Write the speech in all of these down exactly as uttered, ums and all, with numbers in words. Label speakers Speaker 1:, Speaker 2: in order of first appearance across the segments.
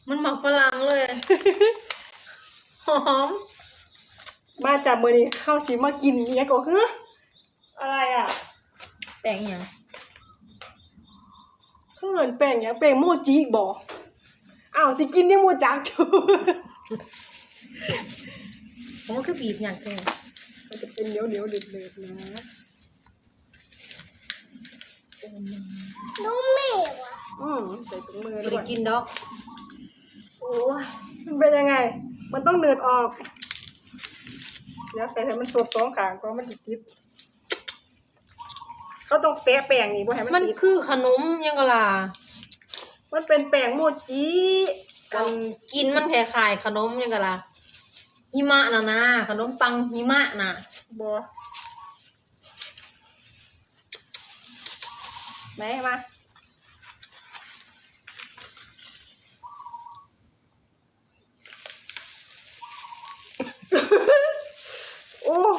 Speaker 1: มันหมักฝรั่งเลยหอม
Speaker 2: มาจากมือนี้ข้าวสีมากินเนี้ยก็คืออะไรอ่ะ
Speaker 1: แป้งยัง
Speaker 2: เพื่อนแป้งยังแป้งโมจิบอกอ้าวสิกินเนี่ยโมจักจู
Speaker 1: มันคือบีบอย่างเดียว
Speaker 2: มันจะเป็นเหนียวเหนียวเดือดเดือดนะ
Speaker 3: นุ่มไม่วะ
Speaker 2: อืมใส่ถุงมือ
Speaker 1: ไม่
Speaker 2: ด้
Speaker 1: ได้
Speaker 2: วย
Speaker 1: กินดอกโอ้ย
Speaker 2: มันเป็นยังไงมันต้องเดือดออกเดี๋ยวใส่ให้มันสดสองขางก็มันติดเขาต้องแปะแป้งนี่บ่ให้มัน
Speaker 1: มัน
Speaker 2: ติด
Speaker 1: คือขนมยังกะล่ะ
Speaker 2: มันเป็นแป้งโมจิ
Speaker 1: มันกินมันคล้ายๆขนมยังกะล่ะหิมะน่ะนะขนมปังหิมะน่ะ
Speaker 2: บ่ไหนมาโอ้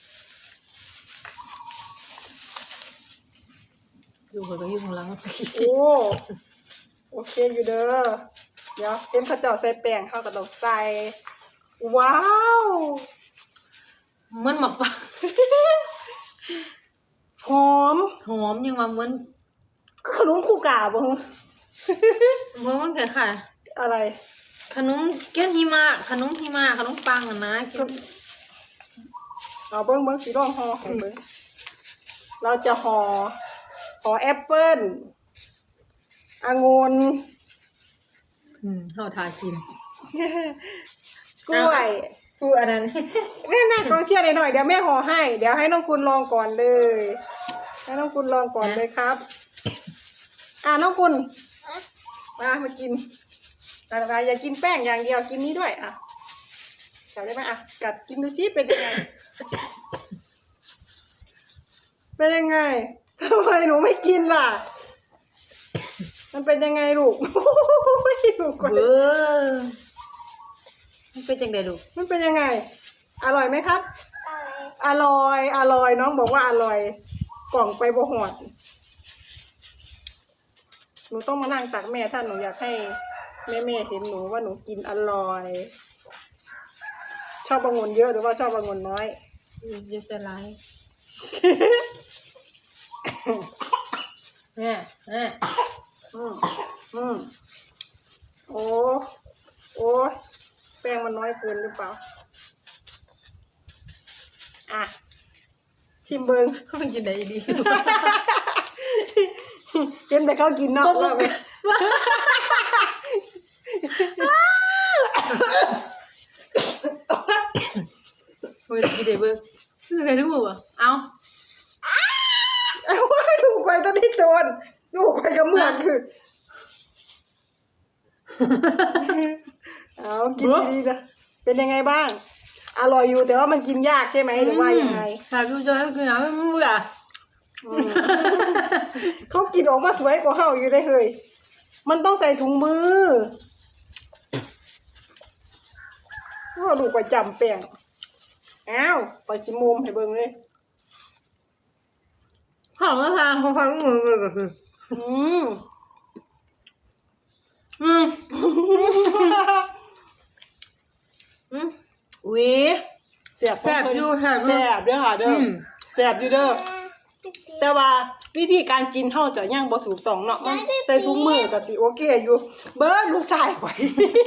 Speaker 1: อยู่กับก็อยู่ข้างหลัง
Speaker 2: โอ้โอเคอยู่เด้อเดี๋ยวเต็มข้าวเจ้าใส่แป้งเข้ากับดอกใส่ว้าว
Speaker 1: มันหมักปัง
Speaker 2: หอม
Speaker 1: หอมยังมาเหมือน
Speaker 2: ขนมคู่กาบ่
Speaker 1: เหมือนมันคล้าย
Speaker 2: ๆอะไร
Speaker 1: ขนมเกี้ยนหิมะขนมหิมะขนมปังอ่ะนะกิน
Speaker 2: เอาเบิ้งเบิ้งสีร่องห่อให้เบิ้งเราจะห่อห่อแอปเปิ้ลองุ่น
Speaker 1: อืมเฮาทากิน
Speaker 2: กล้วย
Speaker 1: กูอันนั้น
Speaker 2: แม่แม่กองเชียร์หน่อยเดี๋ยวแม่ห่อให้เดี๋ยวให้น้องคุณลองก่อนเลยให้น้องคุณลองก่อนเลยครับอ่าน้องคุณมามากินอะไรอย่ากินแป้งอย่างเดียวกินนี้ด้วยอ่ะจับได้ไหมอ่ะกัดกินดูซิเป็นยังไงเป็นยังไงทำไมหนูไม่กินล่ะมันเป็นยังไงลูกไม่ลูกก่อน
Speaker 1: เออมันเป็นจังไดลูก
Speaker 2: มันเป็นยังไงอร่อยไหมครับ
Speaker 3: อร่อย
Speaker 2: อร่อยอร่อยน้องบอกว่าอร่อยกล่องไปบ่หอดหนูต้องมานั่งตักแม่ถ้าหนูอยากให้แม่แม่เห็นหนูว่าหนูกินอร่อยชอบองุ่นเยอะหรือว่าชอบองุ่นน้อย
Speaker 1: เยอะแต่ไรแม่แม่
Speaker 2: อืมอืมโอ้โอ้แป้งมันน้อยเกินหรือเปล่าอ่ะชิมเบิง
Speaker 1: มันกินได้ดี
Speaker 2: เห็นแต่เขากินนอกว่าไหม
Speaker 1: เฮ้ยกินได้เบิ้งคือใครรู้บ่เอา
Speaker 2: เอาว่าดูไปตอนนี้โดนดูไปกับเมือนคือเอากินดีๆนะเป็นยังไงบ้างอร่อยอยู่แต่ว่ามันกินยากใช่ไหมหรือว่ายังไง
Speaker 1: ค่ะพี่จอยคือหาไม่รู้อ่ะ
Speaker 2: เขากินออกมาสวยกว่าเขาอยู่ได้เลยมันต้องใส่ถุงมือว่าดูไปจำแป้งอ้าวไปชิมมุมให้เบิ่งเลย
Speaker 1: ของราคาของฟังมือก็คือ
Speaker 2: อืม
Speaker 1: อืมอืม
Speaker 2: วิเสียบ
Speaker 1: แซ่บอยู่แซ่บ
Speaker 2: แซ่บเด้อค่ะเด้อแซ่บอยู่เด้อแต่ว่าวิธีการกินเท่าจะย่างบ่ถูกต้องเนาะมันใส่ถุงมือก็สิโอเคอยู่เบิ้ลลูกชายข่อย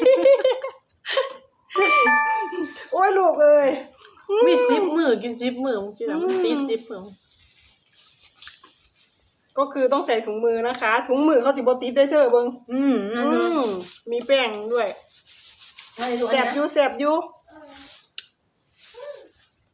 Speaker 2: โอ้ยลูกเอ้ย
Speaker 1: มีซิปมือกินซิปมือมึงกินแล้วมันติดซิปมือ
Speaker 2: ก็คือต้องใส่ถุงมือนะคะถุงมือเขาสิบ่ติดได้เธอเบิ่ง
Speaker 1: อืมนั่นเนาะ
Speaker 2: มีแป้งด้วยแซ่บอยู่แซ่บอยู่